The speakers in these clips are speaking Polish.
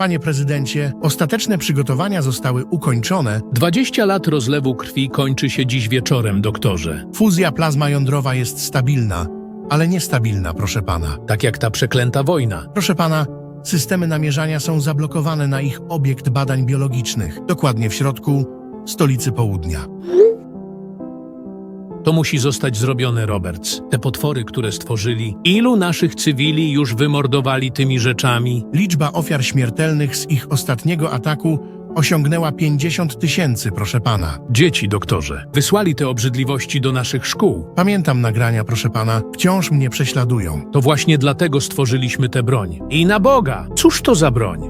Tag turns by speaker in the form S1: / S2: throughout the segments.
S1: Panie prezydencie, ostateczne przygotowania zostały ukończone.
S2: 20 lat rozlewu krwi kończy się dziś wieczorem, doktorze.
S1: Fuzja plazma jądrowa jest stabilna, ale niestabilna, proszę pana.
S2: Tak jak ta przeklęta wojna.
S1: Proszę pana, systemy namierzania są zablokowane na ich obiekt badań biologicznych, dokładnie w środku stolicy południa.
S2: To musi zostać zrobione, Roberts. Te potwory, które stworzyli, ilu naszych cywili już wymordowali tymi rzeczami?
S1: Liczba ofiar śmiertelnych z ich ostatniego ataku osiągnęła 50 000, proszę pana.
S2: Dzieci, doktorze, wysłali te obrzydliwości do naszych szkół.
S1: Pamiętam nagrania, proszę pana, wciąż mnie prześladują.
S2: To właśnie dlatego stworzyliśmy tę broń. I na Boga! Cóż to za broń?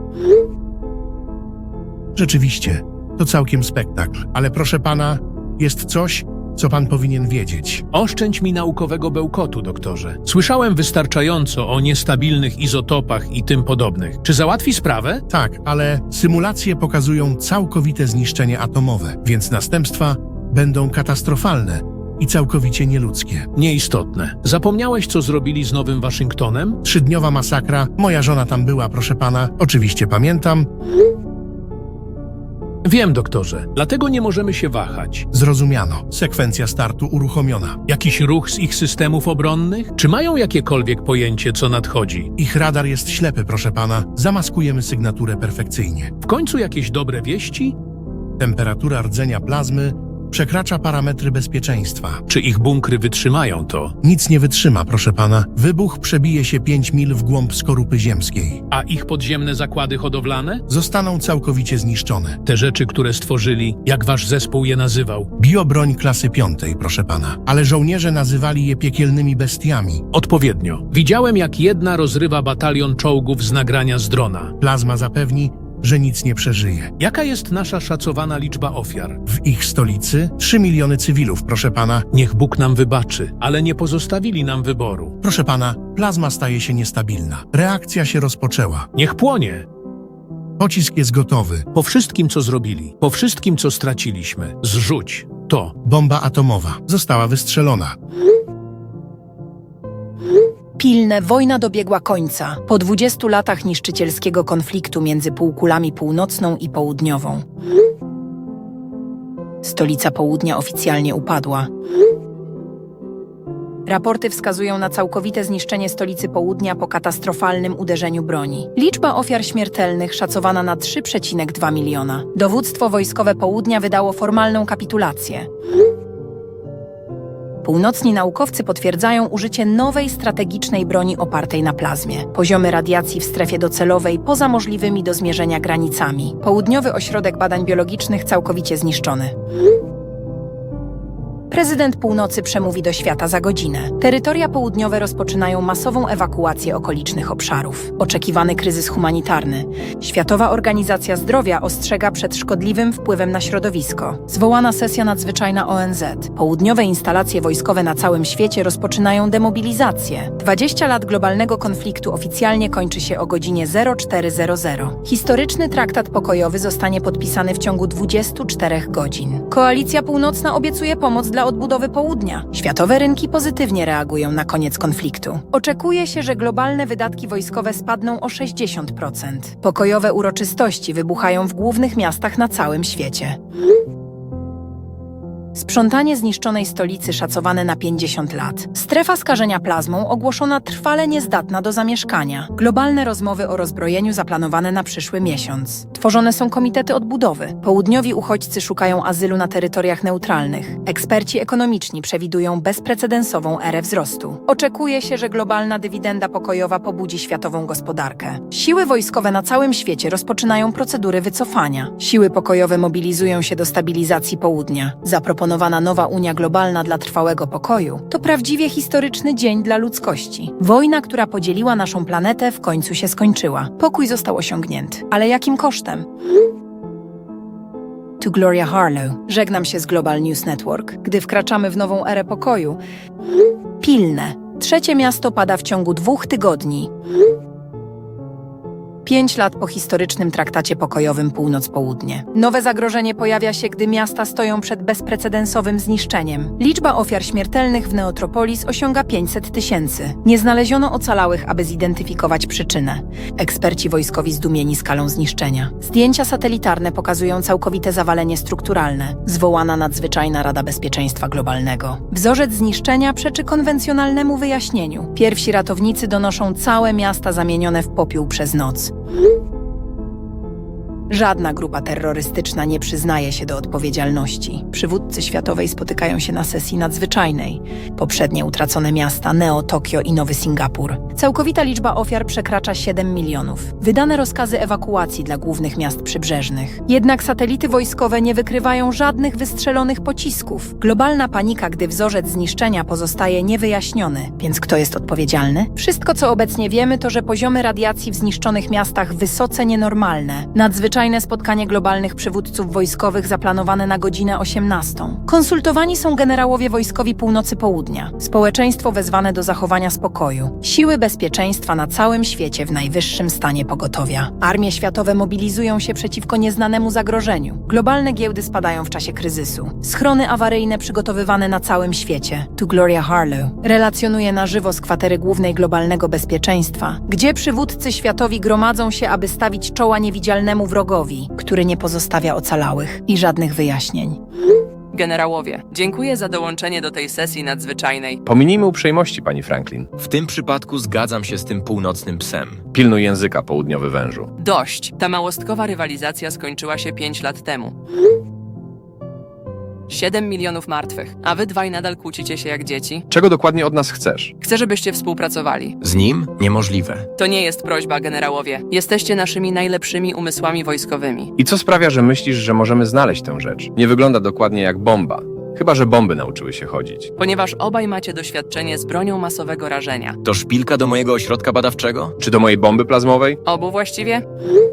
S1: Rzeczywiście, to całkiem spektakl, ale proszę pana, jest coś, co pan powinien wiedzieć.
S2: Oszczędź mi naukowego bełkotu, doktorze. Słyszałem wystarczająco o niestabilnych izotopach i tym podobnych. Czy załatwi sprawę?
S1: Tak, ale symulacje pokazują całkowite zniszczenie atomowe, więc następstwa będą katastrofalne i całkowicie nieludzkie.
S2: Nieistotne. Zapomniałeś, co zrobili z Nowym Waszyngtonem?
S1: 3-dniowa masakra, moja żona tam była, proszę pana, oczywiście pamiętam.
S2: Wiem, doktorze. Dlatego nie możemy się wahać.
S1: Zrozumiano, sekwencja startu uruchomiona.
S2: Jakiś ruch z ich systemów obronnych? Czy mają jakiekolwiek pojęcie, co nadchodzi?
S1: Ich radar jest ślepy, proszę pana, zamaskujemy sygnaturę perfekcyjnie.
S2: W końcu jakieś dobre wieści?
S1: Temperatura rdzenia plazmy przekracza parametry bezpieczeństwa.
S2: Czy ich bunkry wytrzymają to?
S1: Nic nie wytrzyma, proszę pana. Wybuch przebije się 5 mil w głąb skorupy ziemskiej.
S2: A ich podziemne zakłady hodowlane?
S1: Zostaną całkowicie zniszczone.
S2: Te rzeczy, które stworzyli, jak wasz zespół je nazywał?
S1: Biobroń klasy 5, proszę pana. Ale żołnierze nazywali je piekielnymi bestiami.
S2: Odpowiednio. Widziałem, jak jedna rozrywa batalion czołgów z nagrania z drona.
S1: Plazma zapewni, że nic nie przeżyje.
S2: Jaka jest nasza szacowana liczba ofiar?
S1: W ich stolicy 3 miliony cywilów, proszę pana.
S2: Niech Bóg nam wybaczy, ale nie pozostawili nam wyboru.
S1: Proszę pana, plazma staje się niestabilna. Reakcja się rozpoczęła.
S2: Niech płonie!
S1: Pocisk jest gotowy.
S2: Po wszystkim, co zrobili, po wszystkim, co straciliśmy, zrzuć to.
S1: Bomba atomowa została wystrzelona.
S3: Pilne, wojna dobiegła końca. Po 20 latach niszczycielskiego konfliktu między półkulami północną i południową. Stolica południa oficjalnie upadła. Raporty wskazują na całkowite zniszczenie stolicy południa po katastrofalnym uderzeniu broni. Liczba ofiar śmiertelnych szacowana na 3,2 miliona. Dowództwo wojskowe południa wydało formalną kapitulację. Północni naukowcy potwierdzają użycie nowej strategicznej broni opartej na plazmie. Poziomy radiacji w strefie docelowej poza możliwymi do zmierzenia granicami. Południowy ośrodek badań biologicznych całkowicie zniszczony. Prezydent Północy przemówi do świata za godzinę. Terytoria południowe rozpoczynają masową ewakuację okolicznych obszarów. Oczekiwany kryzys humanitarny. Światowa Organizacja Zdrowia ostrzega przed szkodliwym wpływem na środowisko. Zwołana sesja nadzwyczajna ONZ. Południowe instalacje wojskowe na całym świecie rozpoczynają demobilizację. 20 lat globalnego konfliktu oficjalnie kończy się o godzinie 04:00. Historyczny traktat pokojowy zostanie podpisany w ciągu 24 godzin. Koalicja Północna obiecuje pomoc dla odbudowy południa. Światowe rynki pozytywnie reagują na koniec konfliktu. Oczekuje się, że globalne wydatki wojskowe spadną o 60%. Pokojowe uroczystości wybuchają w głównych miastach na całym świecie. Sprzątanie zniszczonej stolicy szacowane na 50 lat. Strefa skażenia plazmą ogłoszona trwale niezdatna do zamieszkania. Globalne rozmowy o rozbrojeniu zaplanowane na przyszły miesiąc. Tworzone są komitety odbudowy. Południowi uchodźcy szukają azylu na terytoriach neutralnych. Eksperci ekonomiczni przewidują bezprecedensową erę wzrostu. Oczekuje się, że globalna dywidenda pokojowa pobudzi światową gospodarkę. Siły wojskowe na całym świecie rozpoczynają procedury wycofania. Siły pokojowe mobilizują się do stabilizacji południa. Zaproponowana nowa Unia Globalna dla trwałego pokoju to prawdziwie historyczny dzień dla ludzkości. Wojna, która podzieliła naszą planetę, w końcu się skończyła. Pokój został osiągnięty. Ale jakim kosztem? Tu Gloria Harlow. Żegnam się z Global News Network. Gdy wkraczamy w nową erę pokoju. Pilne. 3. miasto pada w ciągu 2 tygodni. 5 lat po historycznym traktacie pokojowym Północ-Południe. Nowe zagrożenie pojawia się, gdy miasta stoją przed bezprecedensowym zniszczeniem. Liczba ofiar śmiertelnych w Neotropolis osiąga 500 000. Nie znaleziono ocalałych, aby zidentyfikować przyczynę. Eksperci wojskowi zdumieni skalą zniszczenia. Zdjęcia satelitarne pokazują całkowite zawalenie strukturalne. Zwołana nadzwyczajna Rada Bezpieczeństwa Globalnego. Wzorzec zniszczenia przeczy konwencjonalnemu wyjaśnieniu. Pierwsi ratownicy donoszą całe miasta zamienione w popiół przez noc. Żadna grupa terrorystyczna nie przyznaje się do odpowiedzialności. Przywódcy światowej spotykają się na sesji nadzwyczajnej. Poprzednie utracone miasta Neo, Tokio i Nowy Singapur. Całkowita liczba ofiar przekracza 7 milionów. Wydane rozkazy ewakuacji dla głównych miast przybrzeżnych. Jednak satelity wojskowe nie wykrywają żadnych wystrzelonych pocisków. Globalna panika, gdy wzorzec zniszczenia pozostaje niewyjaśniony. Więc kto jest odpowiedzialny? Wszystko, co obecnie wiemy, to, że poziomy radiacji w zniszczonych miastach wysoce nienormalne. Nadzwyczajne spotkanie globalnych przywódców wojskowych zaplanowane na godzinę 18. Konsultowani są generałowie wojskowi północy-południa. Społeczeństwo wezwane do zachowania spokoju. Siły bezpieczeństwa na całym świecie w najwyższym stanie pogotowia. Armie światowe mobilizują się przeciwko nieznanemu zagrożeniu. Globalne giełdy spadają w czasie kryzysu. Schrony awaryjne przygotowywane na całym świecie. Tu Gloria Harlow relacjonuje na żywo z kwatery głównej globalnego bezpieczeństwa, gdzie przywódcy światowi gromadzą się, aby stawić czoła niewidzialnemu wrogowi, który nie pozostawia ocalałych i żadnych wyjaśnień.
S4: Generałowie, dziękuję za dołączenie do tej sesji nadzwyczajnej.
S5: Pominijmy uprzejmości, pani Franklin.
S6: W tym przypadku zgadzam się z tym północnym psem.
S5: Pilnuj języka, południowy wężu.
S4: Dość. Ta małostkowa rywalizacja skończyła się 5 lat temu. 7 milionów martwych, a wy dwaj nadal kłócicie się jak dzieci?
S5: Czego dokładnie od nas chcesz?
S4: Chcę, żebyście współpracowali.
S6: Z nim? Niemożliwe.
S4: To nie jest prośba, generałowie. Jesteście naszymi najlepszymi umysłami wojskowymi.
S5: I co sprawia, że myślisz, że możemy znaleźć tę rzecz? Nie wygląda dokładnie jak bomba. Chyba że bomby nauczyły się chodzić.
S4: Ponieważ obaj macie doświadczenie z bronią masowego rażenia.
S6: To szpilka do mojego ośrodka badawczego?
S5: Czy do mojej bomby plazmowej?
S4: Obu właściwie?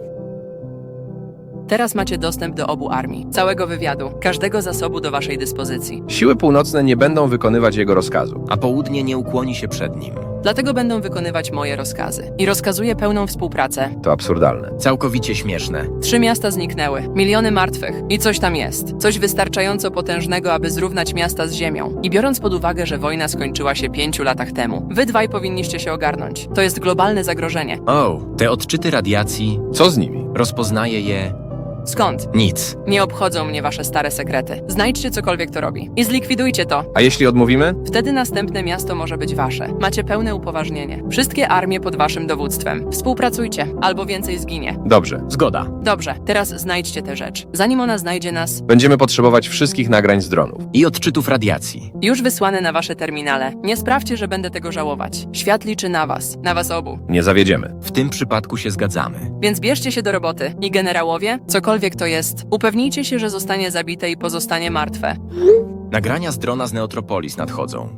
S4: Teraz macie dostęp do obu armii, całego wywiadu, każdego zasobu do waszej dyspozycji.
S5: Siły północne nie będą wykonywać jego rozkazu.
S6: A południe nie ukłoni się przed nim.
S4: Dlatego będą wykonywać moje rozkazy. I rozkazuję pełną współpracę.
S5: To absurdalne.
S6: Całkowicie śmieszne.
S4: 3 miasta zniknęły, miliony martwych i coś tam jest. Coś wystarczająco potężnego, aby zrównać miasta z ziemią. I biorąc pod uwagę, że wojna skończyła się 5 latach temu, wy dwaj powinniście się ogarnąć. To jest globalne zagrożenie.
S6: O, te odczyty radiacji,
S5: Co z nimi?
S6: rozpoznaję je...
S4: Skąd?
S6: Nic.
S4: Nie obchodzą mnie wasze stare sekrety. Znajdźcie cokolwiek to robi. I zlikwidujcie to.
S5: A jeśli odmówimy?
S4: Wtedy następne miasto może być wasze. Macie pełne upoważnienie. Wszystkie armie pod waszym dowództwem. Współpracujcie, albo więcej zginie.
S5: Dobrze.
S6: Zgoda.
S4: Dobrze, teraz znajdźcie tę rzecz. Zanim ona znajdzie nas,
S5: Będziemy potrzebować wszystkich nagrań z dronów.
S6: I odczytów radiacji.
S4: już wysłane na wasze terminale. Nie sprawdźcie, że będę tego żałować. Świat liczy na was obu.
S5: Nie zawiedziemy.
S6: W tym przypadku się zgadzamy.
S4: Więc bierzcie się do roboty. I generałowie, cokolwiek to jest, upewnijcie się, że zostanie zabite i pozostanie martwe.
S6: Nagrania z drona z Neotropolis nadchodzą.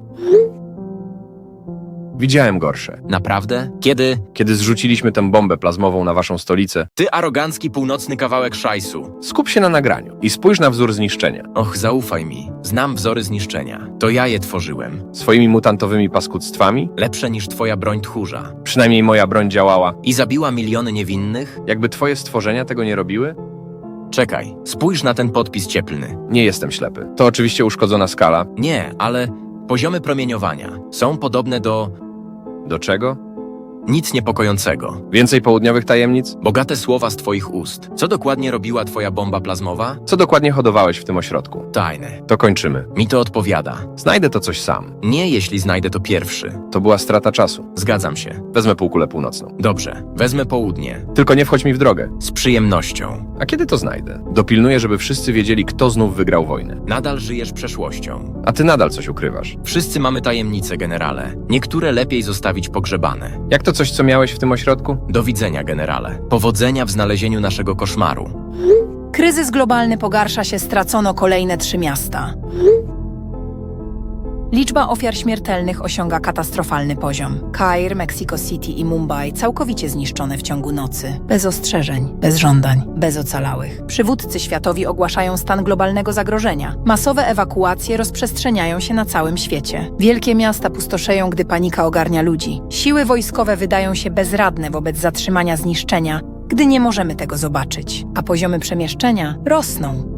S5: Widziałem gorsze.
S6: Naprawdę? Kiedy?
S5: Kiedy zrzuciliśmy tę bombę plazmową na waszą stolicę,
S6: Ty arogancki północny kawałek szajsu.
S5: skup się na nagraniu i spójrz na wzór zniszczenia.
S6: Och, zaufaj mi. Znam wzory zniszczenia. To ja je tworzyłem.
S5: Swoimi mutantowymi paskudztwami?
S6: Lepsze niż twoja broń tchórza.
S5: Przynajmniej moja broń działała.
S6: I zabiła miliony niewinnych?
S5: Jakby twoje stworzenia tego nie robiły?
S6: Czekaj, spójrz na ten podpis cieplny.
S5: Nie jestem ślepy. To oczywiście uszkodzona skala.
S6: Nie, ale poziomy promieniowania są podobne do
S5: Do czego?
S6: nic niepokojącego.
S5: Więcej południowych tajemnic?
S6: Bogate słowa z twoich ust. Co dokładnie robiła twoja bomba plazmowa?
S5: Co dokładnie hodowałeś w tym ośrodku?
S6: Tajne.
S5: To kończymy.
S6: Mi to odpowiada.
S5: Znajdę to coś sam.
S6: Nie, jeśli znajdę to pierwszy.
S5: To była strata czasu.
S6: Zgadzam się.
S5: Wezmę półkulę północną.
S6: Dobrze, wezmę południe.
S5: Tylko nie wchodź mi w drogę.
S6: Z przyjemnością.
S5: A kiedy to znajdę? Dopilnuję, żeby wszyscy wiedzieli, kto znów wygrał wojnę.
S6: Nadal żyjesz przeszłością.
S5: A ty nadal coś ukrywasz.
S6: Wszyscy mamy tajemnice, generale. Niektóre lepiej zostawić pogrzebane.
S5: Jak to coś, co miałeś w tym ośrodku?
S6: Do widzenia, generale. Powodzenia w znalezieniu naszego koszmaru.
S3: Kryzys globalny pogarsza się, stracono kolejne 3 miasta. Liczba ofiar śmiertelnych osiąga katastrofalny poziom. Kair, Mexico City i Mumbai całkowicie zniszczone w ciągu nocy. Bez ostrzeżeń, bez żądań, bez ocalałych. Przywódcy światowi ogłaszają stan globalnego zagrożenia. Masowe ewakuacje rozprzestrzeniają się na całym świecie. Wielkie miasta pustoszeją, gdy panika ogarnia ludzi. Siły wojskowe wydają się bezradne wobec zatrzymania zniszczenia, gdy nie możemy tego zobaczyć, a poziomy przemieszczenia rosną.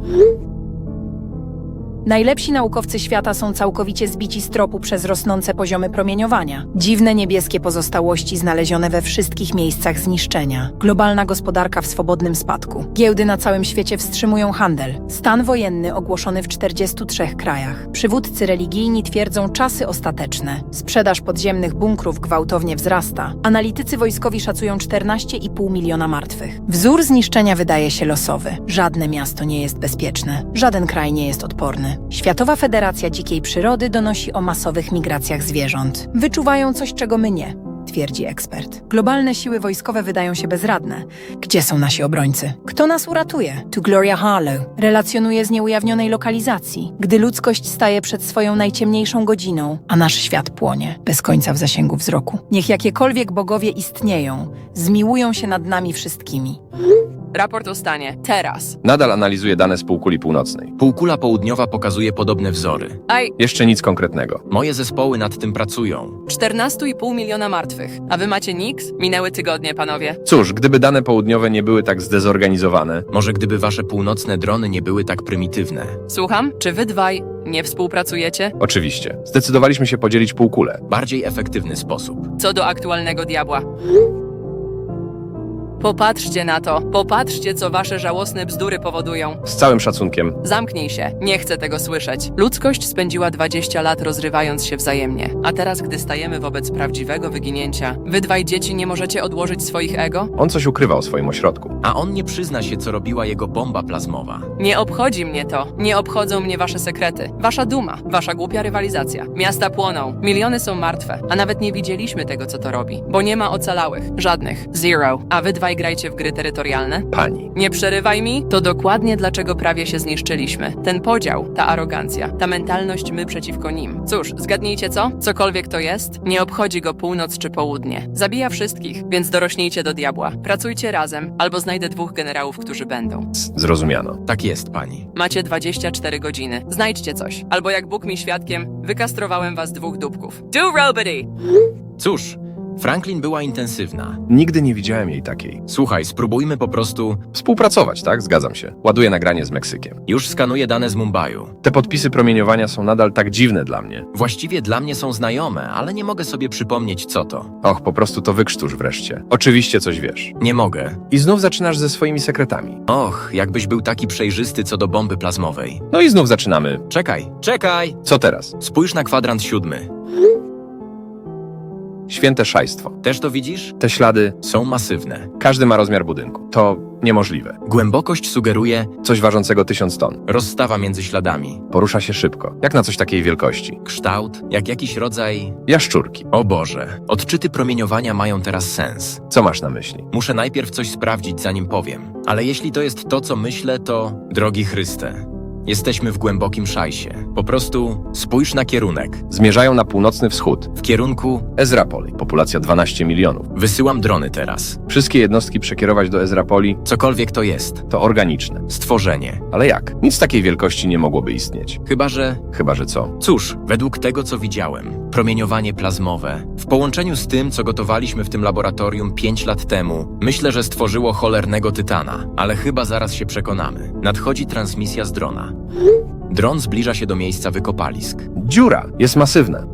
S3: Najlepsi naukowcy świata są całkowicie zbici z tropu przez rosnące poziomy promieniowania. Dziwne niebieskie pozostałości znalezione we wszystkich miejscach zniszczenia. Globalna gospodarka w swobodnym spadku. Giełdy na całym świecie wstrzymują handel. Stan wojenny ogłoszony w 43 krajach. Przywódcy religijni twierdzą czasy ostateczne. Sprzedaż podziemnych bunkrów gwałtownie wzrasta. Analitycy wojskowi szacują 14,5 miliona martwych. Wzór zniszczenia wydaje się losowy. Żadne miasto nie jest bezpieczne. Żaden kraj nie jest odporny. Światowa Federacja Dzikiej Przyrody donosi o masowych migracjach zwierząt. Wyczuwają coś, czego my nie, twierdzi ekspert. Globalne siły wojskowe wydają się bezradne. Gdzie są nasi obrońcy? Kto nas uratuje? Tu Gloria Harlow relacjonuje z nieujawnionej lokalizacji, gdy ludzkość staje przed swoją najciemniejszą godziną, a nasz świat płonie, bez końca w zasięgu wzroku. Niech jakiekolwiek bogowie istnieją, zmiłują się nad nami wszystkimi.
S4: Raport o stanie. Teraz.
S5: Nadal analizuje dane z półkuli północnej.
S6: Półkula południowa pokazuje podobne wzory.
S5: Jeszcze nic konkretnego.
S6: Moje zespoły nad tym pracują.
S4: 14,5 miliona martwych. A wy macie niks? Minęły tygodnie, panowie.
S5: Cóż, gdyby dane południowe nie były tak zdezorganizowane,
S6: Może gdyby wasze północne drony nie były tak prymitywne.
S4: Słucham? Czy wy dwaj nie współpracujecie?
S5: oczywiście. Zdecydowaliśmy się podzielić półkulę.
S6: Bardziej efektywny sposób.
S4: Co do aktualnego diabła. Popatrzcie na to. Popatrzcie, co wasze żałosne bzdury powodują.
S5: Z całym szacunkiem.
S4: Zamknij się. Nie chcę tego słyszeć. Ludzkość spędziła 20 lat rozrywając się wzajemnie. A teraz, gdy stajemy wobec prawdziwego wyginięcia, wy dwaj dzieci nie możecie odłożyć swoich ego?
S5: On coś ukrywa o swoim ośrodku.
S6: A on nie przyzna się, co robiła jego bomba plazmowa.
S4: Nie obchodzi mnie to. Nie obchodzą mnie wasze sekrety. Wasza duma. Wasza głupia rywalizacja. Miasta płoną. Miliony są martwe. A nawet nie widzieliśmy tego, co to robi. Bo nie ma ocalałych. Żadnych. Zero. A wy dwaj grajcie w gry terytorialne?
S5: Pani.
S4: Nie przerywaj mi. To dokładnie dlaczego prawie się zniszczyliśmy. Ten podział, ta arogancja, ta mentalność my przeciwko nim. Cóż, zgadnijcie co? Cokolwiek to jest, nie obchodzi go północ czy południe. Zabija wszystkich, więc dorośnijcie do diabła. Pracujcie razem, albo znajdę 2 generałów, którzy będą.
S5: Zrozumiano.
S6: Tak jest, pani.
S4: Macie 24 godziny. Znajdźcie coś. Albo jak Bóg mi świadkiem, wykastrowałem was 2 dupków. Do robody!
S6: Cóż, Franklin była intensywna.
S5: Nigdy nie widziałem jej takiej.
S6: Słuchaj, spróbujmy po prostu...
S5: Współpracować, tak? Zgadzam się. Ładuję nagranie z Meksykiem.
S6: Już skanuję dane z Mumbaiu.
S5: Te podpisy promieniowania są nadal tak dziwne dla mnie.
S6: Właściwie dla mnie są znajome, ale nie mogę sobie przypomnieć, co to.
S5: Och, po prostu to wykrztusz wreszcie. Oczywiście coś wiesz.
S6: Nie mogę.
S5: I znów zaczynasz ze swoimi sekretami.
S6: Och, jakbyś był taki przejrzysty co do bomby plazmowej.
S5: No i znów zaczynamy.
S6: Czekaj!
S5: Co teraz?
S6: Spójrz na kwadrant 7.
S5: Święte szajstwo.
S6: Też to widzisz?
S5: Te ślady,
S6: Są masywne.
S5: każdy ma rozmiar budynku. To niemożliwe.
S6: Głębokość sugeruje
S5: Coś ważącego 1000 ton.
S6: rozstawa między śladami.
S5: Porusza się szybko. Jak na coś takiej wielkości.
S6: Kształt, jak jakiś rodzaj...
S5: Jaszczurki.
S6: O Boże, odczyty promieniowania mają teraz sens.
S5: Co masz na myśli?
S6: Muszę najpierw coś sprawdzić, zanim powiem. Ale jeśli to jest to, co myślę, to... Drogi Chryste, jesteśmy w głębokim szajsie. Po prostu spójrz na kierunek.
S5: Zmierzają na północny wschód.
S6: W kierunku...
S5: Ezrapoli. Populacja 12 milionów.
S6: Wysyłam drony teraz.
S5: Wszystkie jednostki przekierować do Ezrapoli
S6: Cokolwiek to jest.
S5: to organiczne.
S6: Stworzenie.
S5: Ale jak? Nic takiej wielkości nie mogłoby istnieć.
S6: Chyba, że
S5: co?
S6: Cóż, według tego, co widziałem, promieniowanie plazmowe, w połączeniu z tym, co gotowaliśmy w tym laboratorium 5 lat temu, myślę, że stworzyło cholernego tytana, ale chyba zaraz się przekonamy. Nadchodzi transmisja z drona. Dron zbliża się do miejsca wykopalisk.
S5: Dziura jest masywna.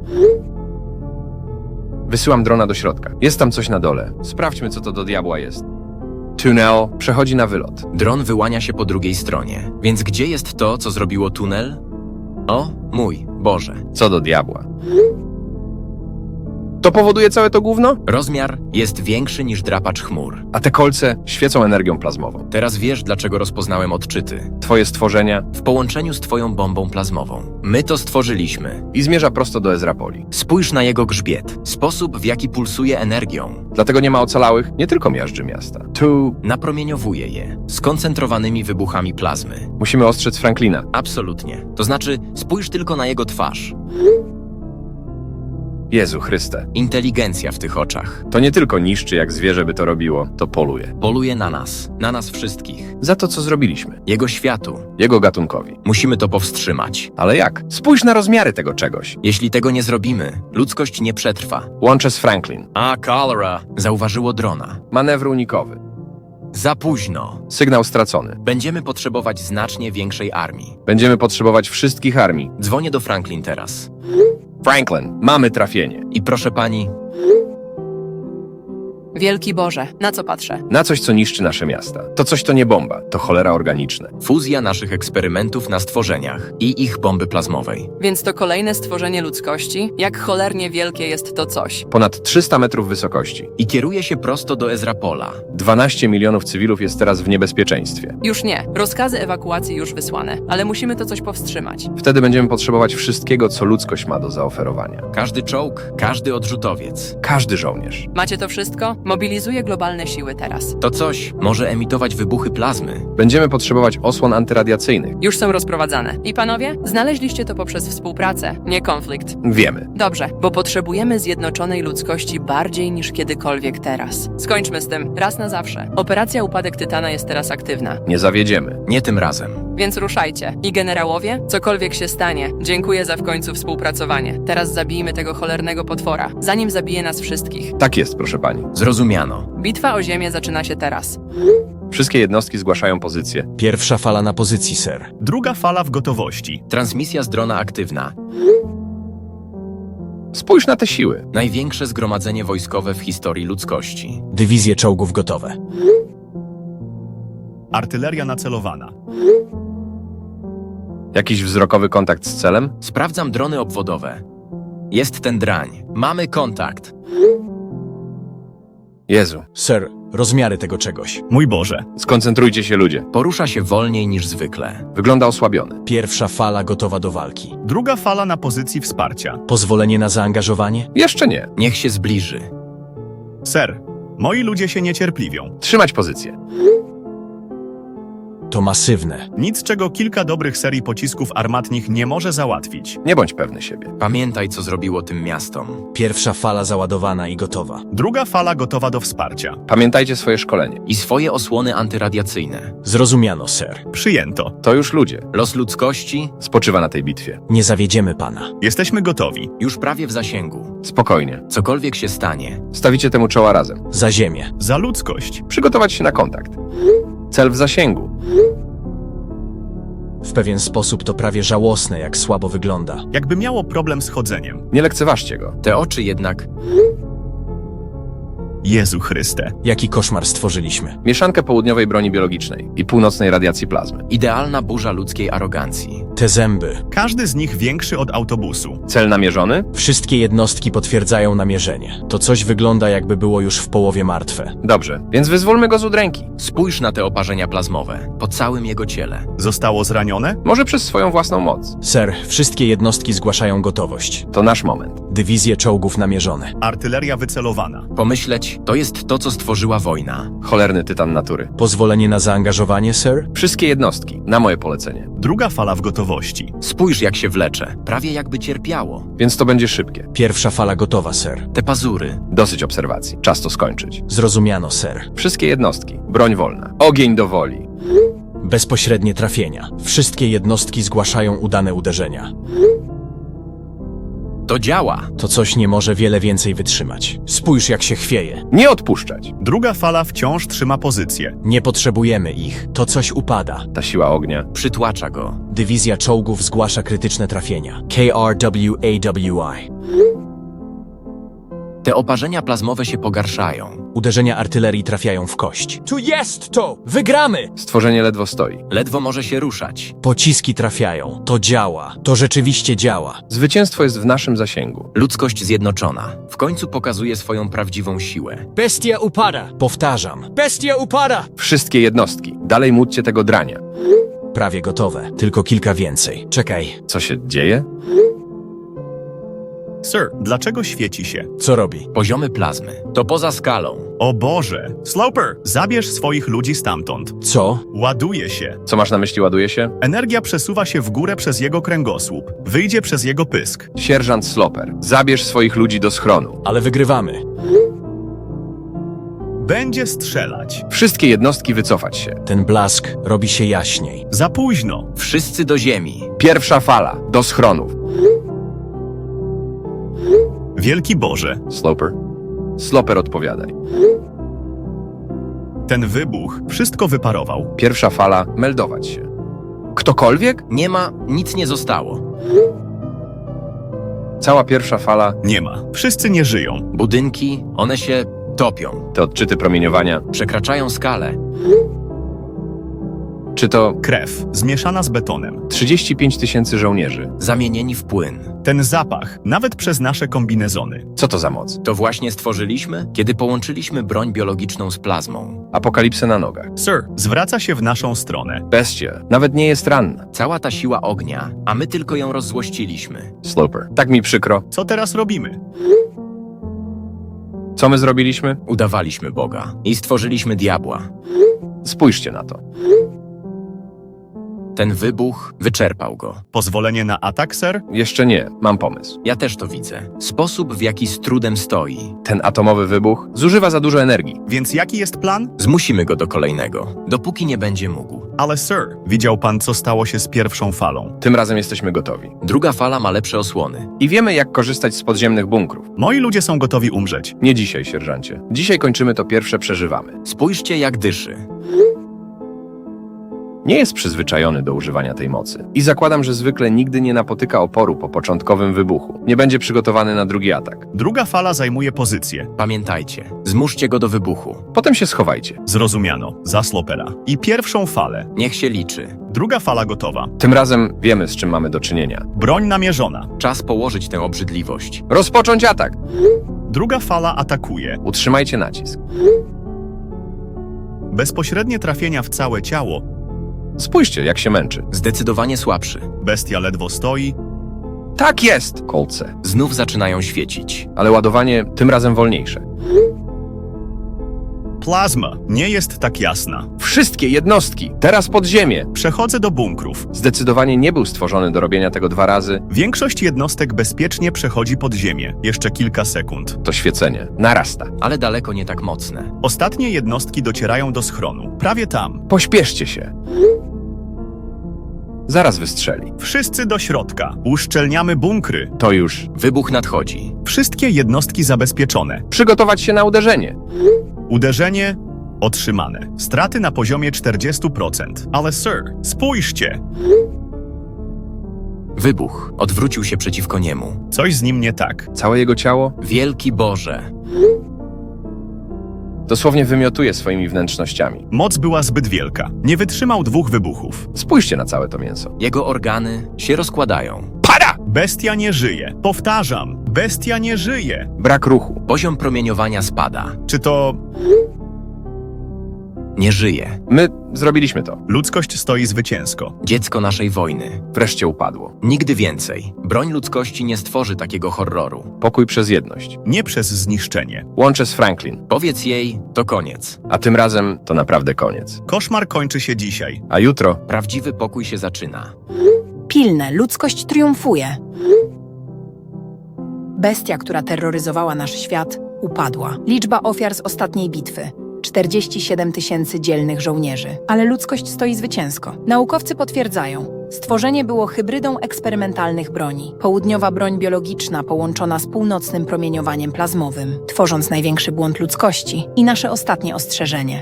S5: Wysyłam drona do środka. Jest tam coś na dole. Sprawdźmy, co to do diabła jest. Tunel przechodzi na wylot.
S6: Dron wyłania się po drugiej stronie. Więc gdzie jest to, co zrobiło tunel? O, mój Boże.
S5: Co do diabła. To powoduje całe to gówno?
S6: Rozmiar jest większy niż drapacz chmur.
S5: A te kolce świecą energią plazmową.
S6: Teraz wiesz, dlaczego rozpoznałem odczyty.
S5: Twoje stworzenia
S6: W połączeniu z twoją bombą plazmową. My to stworzyliśmy.
S5: i zmierza prosto do Ezrapoli.
S6: Spójrz na jego grzbiet. Sposób, w jaki pulsuje energią.
S5: Dlatego nie ma ocalałych, nie tylko miażdży miasta. Tu
S6: Napromieniowuje je skoncentrowanymi wybuchami plazmy.
S5: musimy ostrzec Franklina.
S6: Absolutnie. To znaczy, spójrz tylko na jego twarz.
S5: Jezu Chryste.
S6: Inteligencja w tych oczach.
S5: To nie tylko niszczy jak zwierzę by to robiło, to poluje.
S6: Poluje na nas wszystkich.
S5: Za to, co zrobiliśmy.
S6: Jego światu.
S5: Jego gatunkowi.
S6: Musimy to powstrzymać.
S5: Ale jak? Spójrz na rozmiary tego czegoś.
S6: Jeśli tego nie zrobimy, ludzkość nie przetrwa.
S5: Łączę z Franklin.
S6: A, cholera! Zauważyło drona.
S5: Manewr unikowy.
S6: Za późno.
S5: Sygnał stracony.
S6: Będziemy potrzebować znacznie większej armii.
S5: Będziemy potrzebować wszystkich armii.
S6: Dzwonię do Franklin teraz.
S5: Franklin, mamy trafienie.
S6: I proszę pani,
S4: Wielki Boże, na co patrzę?
S5: Na coś, co niszczy nasze miasta. To coś to nie bomba, to cholera organiczne.
S6: fuzja naszych eksperymentów na stworzeniach i ich bomby plazmowej.
S4: Więc to kolejne stworzenie ludzkości? Jak cholernie wielkie jest to coś?
S5: Ponad 300 metrów wysokości.
S6: I kieruje się prosto do Ezrapola.
S5: 12 milionów cywilów jest teraz w niebezpieczeństwie.
S4: Już nie. Rozkazy ewakuacji już wysłane, ale musimy to coś powstrzymać.
S5: Wtedy będziemy potrzebować wszystkiego, co ludzkość ma do zaoferowania.
S6: Każdy czołg, każdy odrzutowiec.
S5: Każdy żołnierz.
S4: Macie to wszystko? Mobilizuję globalne siły teraz.
S6: To coś może emitować wybuchy plazmy.
S5: Będziemy potrzebować osłon antyradiacyjnych.
S4: Już są rozprowadzane. I panowie, znaleźliście to poprzez współpracę, nie konflikt.
S5: Wiemy.
S4: Dobrze, bo potrzebujemy zjednoczonej ludzkości bardziej niż kiedykolwiek teraz. Skończmy z tym, raz na zawsze. Operacja Upadek Tytana jest teraz aktywna,
S5: Nie zawiedziemy.
S6: Nie tym razem.
S4: więc ruszajcie. I generałowie, cokolwiek się stanie, dziękuję za w końcu współpracowanie. Teraz zabijmy tego cholernego potwora, zanim zabije nas wszystkich.
S5: Tak jest, proszę pani.
S6: Zrozumiano.
S4: Bitwa o Ziemię zaczyna się teraz.
S5: Wszystkie jednostki zgłaszają pozycję.
S7: Pierwsza fala na pozycji, ser.
S8: Druga fala w gotowości.
S6: Transmisja z drona aktywna.
S5: Spójrz na te siły.
S6: Największe zgromadzenie wojskowe w historii ludzkości.
S7: Dywizje czołgów gotowe.
S8: Artyleria nacelowana.
S5: Jakiś wzrokowy kontakt z celem?
S6: Sprawdzam drony obwodowe. Jest ten drań. Mamy kontakt.
S5: Jezu.
S7: Ser, rozmiary tego czegoś.
S8: Mój Boże.
S5: Skoncentrujcie się, ludzie.
S6: Porusza się wolniej niż zwykle.
S5: Wygląda osłabiony.
S7: Pierwsza fala gotowa do walki.
S8: Druga fala na pozycji wsparcia.
S7: Pozwolenie na zaangażowanie?
S5: Jeszcze nie.
S6: Niech się zbliży.
S8: Ser, moi ludzie się niecierpliwią.
S5: Trzymać pozycję.
S7: To masywne.
S8: Nic, czego kilka dobrych serii pocisków armatnich nie może załatwić.
S5: Nie bądź pewny siebie.
S6: Pamiętaj, co zrobiło tym miastom.
S7: Pierwsza fala załadowana i gotowa.
S8: Druga fala gotowa do wsparcia.
S5: Pamiętajcie swoje szkolenie.
S6: I swoje osłony antyradiacyjne.
S7: Zrozumiano, ser.
S8: Przyjęto.
S5: To już ludzie.
S6: Los ludzkości
S5: Spoczywa na tej bitwie.
S7: Nie zawiedziemy pana.
S8: Jesteśmy gotowi.
S6: już prawie w zasięgu.
S5: Spokojnie.
S6: Cokolwiek się stanie,
S5: Stawicie temu czoła razem.
S7: Za ziemię.
S8: Za ludzkość.
S5: Przygotować się na kontakt. Cel w zasięgu.
S7: W pewien sposób to prawie żałosne, jak słabo wygląda.
S8: Jakby miało problem z chodzeniem.
S5: Nie lekceważcie go.
S6: te oczy jednak
S8: Jezu Chryste.
S7: Jaki koszmar stworzyliśmy.
S5: Mieszankę południowej broni biologicznej i północnej radiacji plazmy.
S6: idealna burza ludzkiej arogancji.
S7: Te zęby.
S8: Każdy z nich większy od autobusu.
S5: Cel namierzony?
S7: Wszystkie jednostki potwierdzają namierzenie. To coś wygląda, jakby było już w połowie martwe.
S5: Dobrze, więc wyzwólmy go z udręki.
S6: Spójrz na te oparzenia plazmowe, po całym jego ciele.
S8: Zostało zranione?
S5: Może przez swoją własną moc.
S7: Ser, wszystkie jednostki zgłaszają gotowość.
S5: To nasz moment.
S7: Dywizje czołgów namierzone.
S8: Artyleria wycelowana.
S6: Pomyśleć, to jest to, co stworzyła wojna.
S5: Cholerny tytan natury.
S7: Pozwolenie na zaangażowanie, ser?
S5: Wszystkie jednostki, na moje polecenie.
S8: Druga fala w gotowości.
S6: Spójrz, jak się wlecze, prawie jakby cierpiało.
S5: Więc to będzie szybkie.
S7: Pierwsza fala gotowa, ser.
S6: Te pazury.
S5: Dosyć obserwacji. Czas to skończyć.
S7: Zrozumiano, ser.
S5: Wszystkie jednostki. Broń wolna. Ogień do woli.
S7: Bezpośrednie trafienia. Wszystkie jednostki zgłaszają udane uderzenia.
S6: To działa.
S7: To coś nie może wiele więcej wytrzymać. Spójrz, jak się chwieje.
S5: Nie odpuszczać.
S8: Druga fala wciąż trzyma pozycję.
S7: Nie potrzebujemy ich. To coś upada.
S5: Ta siła ognia.
S6: Przytłacza go.
S7: Dywizja czołgów zgłasza krytyczne trafienia. KRWAWI.
S6: Te oparzenia plazmowe się pogarszają.
S7: Uderzenia artylerii trafiają w kość. Tu jest to! Wygramy!
S5: Stworzenie ledwo stoi.
S6: Ledwo może się ruszać.
S7: Pociski trafiają. To działa. To rzeczywiście działa.
S5: Zwycięstwo jest w naszym zasięgu.
S6: Ludzkość zjednoczona. W końcu pokazuje swoją prawdziwą siłę.
S7: Bestia upada. Powtarzam. Bestia upada!
S5: Wszystkie jednostki. Dalej módlcie tego drania.
S7: Prawie gotowe. Tylko kilka więcej. Czekaj.
S5: Co się dzieje?
S8: Sir, dlaczego świeci się?
S7: Co robi?
S6: Poziomy plazmy. To poza skalą.
S8: O Boże! Sloper, zabierz swoich ludzi stamtąd.
S7: Co?
S8: Ładuje się.
S5: Co masz na myśli, ładuje się?
S8: Energia przesuwa się w górę przez jego kręgosłup. Wyjdzie przez jego pysk.
S5: Sierżant Sloper, zabierz swoich ludzi do schronu.
S7: Ale wygrywamy.
S8: Będzie strzelać.
S5: Wszystkie jednostki wycofać się.
S7: Ten blask robi się jaśniej.
S8: Za późno.
S6: Wszyscy do ziemi.
S5: Pierwsza fala, do schronów.
S8: Wielki Boże,
S5: Sloper. Sloper, odpowiadaj.
S8: ten wybuch wszystko wyparował.
S5: Pierwsza fala, meldować się. Ktokolwiek?
S6: Nie ma, nic nie zostało.
S5: Cała pierwsza fala,
S8: Nie ma. Wszyscy nie żyją.
S6: Budynki, one się topią.
S5: te odczyty promieniowania.
S6: Przekraczają skalę.
S5: Czy to
S8: Krew zmieszana z betonem.
S5: 35 000 żołnierzy?
S6: Zamienieni w płyn.
S8: Ten zapach, nawet przez nasze kombinezony.
S5: Co to za moc?
S6: To właśnie stworzyliśmy, kiedy połączyliśmy broń biologiczną z plazmą.
S5: Apokalipsę na nogach.
S8: Sir, zwraca się w naszą stronę.
S5: Bestia, nawet nie jest ranna.
S6: Cała ta siła ognia, a my tylko ją rozzłościliśmy.
S5: Sloper. Tak mi przykro.
S8: Co teraz robimy?
S5: Co my zrobiliśmy?
S6: Udawaliśmy Boga i stworzyliśmy diabła.
S5: Spójrzcie na to.
S6: Ten wybuch wyczerpał go.
S8: Pozwolenie na atak, sir?
S5: Jeszcze nie, mam pomysł.
S6: Ja też to widzę. Sposób, w jaki z trudem stoi.
S5: Ten atomowy wybuch zużywa za dużo energii.
S8: Więc jaki jest plan?
S6: Zmusimy go do kolejnego, dopóki nie będzie mógł.
S8: Ale sir, widział pan, co stało się z pierwszą falą.
S5: Tym razem jesteśmy gotowi.
S6: Druga fala ma lepsze osłony.
S5: I wiemy, jak korzystać z podziemnych bunkrów.
S8: Moi ludzie są gotowi umrzeć.
S5: Nie dzisiaj, sierżancie. Dzisiaj kończymy to pierwsze, przeżywamy.
S6: Spójrzcie, jak dyszy.
S5: Nie jest przyzwyczajony do używania tej mocy. I zakładam, że zwykle nigdy nie napotyka oporu po początkowym wybuchu. Nie będzie przygotowany na drugi atak.
S8: Druga fala zajmuje pozycję.
S6: Pamiętajcie, zmuszcie go do wybuchu.
S5: Potem się schowajcie.
S8: Zrozumiano. Za Slopera. I pierwszą falę.
S6: Niech się liczy.
S8: Druga fala gotowa.
S5: Tym razem wiemy, z czym mamy do czynienia.
S8: Broń namierzona.
S6: Czas położyć tę obrzydliwość.
S5: Rozpocząć atak!
S8: Druga fala atakuje.
S5: Utrzymajcie nacisk.
S8: Bezpośrednie trafienia w całe ciało.
S5: Spójrzcie, jak się męczy.
S6: Zdecydowanie słabszy.
S8: Bestia ledwo stoi.
S5: Tak jest! Kolce.
S6: Znów zaczynają świecić.
S5: Ale ładowanie tym razem wolniejsze.
S8: Plazma nie jest tak jasna.
S5: Wszystkie jednostki, teraz pod ziemię.
S8: Przechodzę do bunkrów.
S5: Zdecydowanie nie był stworzony do robienia tego 2 razy.
S8: Większość jednostek bezpiecznie przechodzi pod ziemię. Jeszcze kilka sekund.
S5: To świecenie narasta.
S6: Ale daleko nie tak mocne.
S8: Ostatnie jednostki docierają do schronu. Prawie tam.
S5: Pośpieszcie się. Zaraz wystrzeli.
S8: Wszyscy do środka. Uszczelniamy bunkry.
S5: To już.
S6: Wybuch nadchodzi.
S8: Wszystkie jednostki zabezpieczone.
S5: Przygotować się na uderzenie.
S8: Uderzenie otrzymane. Straty na poziomie 40%. Ale sir, spójrzcie.
S6: Wybuch odwrócił się przeciwko niemu.
S8: Coś z nim nie tak.
S5: Całe jego ciało
S6: Wielki Boże!
S5: dosłownie wymiotuje swoimi wnętrznościami.
S8: Moc była zbyt wielka. Nie wytrzymał 2 wybuchów.
S5: Spójrzcie na całe to mięso.
S6: Jego organy się rozkładają.
S5: Pada!
S8: Bestia nie żyje. Powtarzam, bestia nie żyje.
S5: Brak ruchu.
S6: Poziom promieniowania spada.
S8: Czy to
S6: Nie żyje.
S5: My zrobiliśmy to.
S8: ludzkość stoi zwycięsko?
S6: Dziecko naszej wojny.
S5: Wreszcie upadło.
S6: Nigdy więcej. Broń ludzkości nie stworzy takiego horroru.
S5: Pokój przez jedność.
S8: Nie przez zniszczenie.
S5: Łączę z Franklin.
S6: Powiedz jej, to koniec.
S5: A tym razem to naprawdę koniec.
S8: Koszmar kończy się dzisiaj.
S5: A jutro
S6: Prawdziwy pokój się zaczyna.
S3: Pilne, ludzkość triumfuje. Bestia, która terroryzowała nasz świat, upadła. Liczba ofiar z ostatniej bitwy. 47 000 dzielnych żołnierzy. Ale ludzkość stoi zwycięsko. Naukowcy potwierdzają, stworzenie było hybrydą eksperymentalnych broni. Południowa broń biologiczna połączona z północnym promieniowaniem plazmowym, tworząc największy błąd ludzkości i nasze ostatnie ostrzeżenie.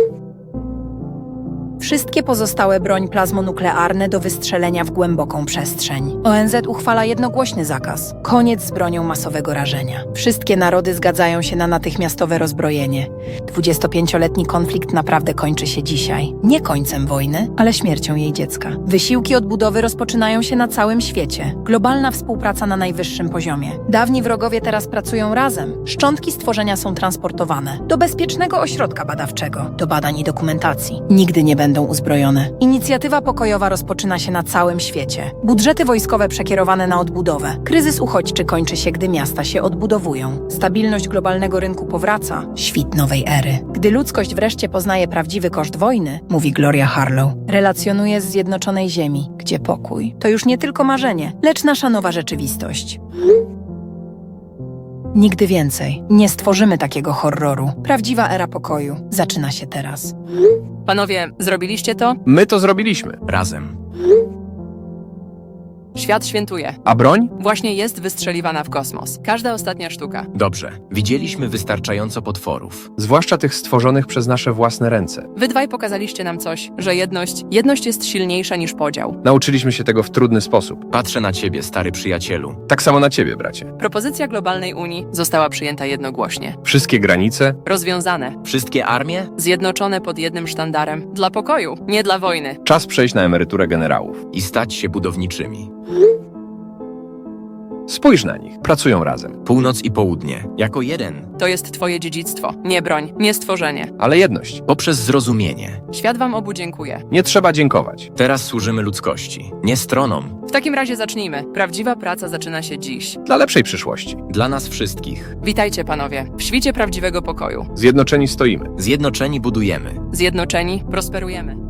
S3: Wszystkie pozostałe broń plazmonuklearne do wystrzelenia w głęboką przestrzeń. ONZ uchwala jednogłośny zakaz. Koniec z bronią masowego rażenia. Wszystkie narody zgadzają się na natychmiastowe rozbrojenie. 25-letni konflikt naprawdę kończy się dzisiaj. Nie końcem wojny, ale śmiercią jej dziecka. Wysiłki odbudowy rozpoczynają się na całym świecie. Globalna współpraca na najwyższym poziomie. Dawni wrogowie teraz pracują razem. Szczątki stworzenia są transportowane do bezpiecznego ośrodka badawczego, do badań i dokumentacji. Nigdy nie będą uzbrojone. Inicjatywa pokojowa rozpoczyna się na całym świecie. Budżety wojskowe przekierowane na odbudowę. Kryzys uchodźczy kończy się, gdy miasta się odbudowują. Stabilność globalnego rynku powraca. Świt nowej ery. Gdy ludzkość wreszcie poznaje prawdziwy koszt wojny, mówi Gloria Harlow, relacjonuje z Zjednoczonej Ziemi, gdzie pokój to już nie tylko marzenie, lecz nasza nowa rzeczywistość. Nigdy więcej nie stworzymy takiego horroru. Prawdziwa era pokoju zaczyna się teraz.
S4: Panowie, zrobiliście to?
S5: My to zrobiliśmy.
S6: Razem.
S4: Świat świętuje.
S5: A broń?
S4: Właśnie jest wystrzeliwana w kosmos. Każda ostatnia sztuka.
S6: Dobrze. Widzieliśmy wystarczająco potworów.
S5: Zwłaszcza tych stworzonych przez nasze własne ręce.
S4: Wy dwaj pokazaliście nam coś, że jedność jest silniejsza niż podział.
S5: Nauczyliśmy się tego w trudny sposób.
S6: Patrzę na ciebie, stary przyjacielu.
S5: Tak samo na ciebie, bracie.
S4: Propozycja globalnej Unii została przyjęta jednogłośnie.
S5: Wszystkie granice,
S4: Rozwiązane.
S6: Wszystkie armie?
S4: Zjednoczone pod jednym sztandarem. Dla pokoju, nie dla wojny.
S5: czas przejść na emeryturę generałów.
S6: I stać się budowniczymi.
S5: Spójrz na nich, pracują razem.
S6: Północ i południe, jako jeden.
S4: To jest twoje dziedzictwo. Nie broń, nie stworzenie.
S5: Ale jedność.
S6: Poprzez zrozumienie.
S4: Świat wam obu dziękuję.
S5: Nie trzeba dziękować.
S6: Teraz służymy ludzkości, nie stronom.
S4: W takim razie zacznijmy. Prawdziwa praca zaczyna się dziś.
S5: Dla lepszej przyszłości.
S6: Dla nas wszystkich.
S4: Witajcie panowie, w świcie prawdziwego pokoju.
S5: Zjednoczeni stoimy.
S6: Zjednoczeni budujemy.
S4: Zjednoczeni prosperujemy.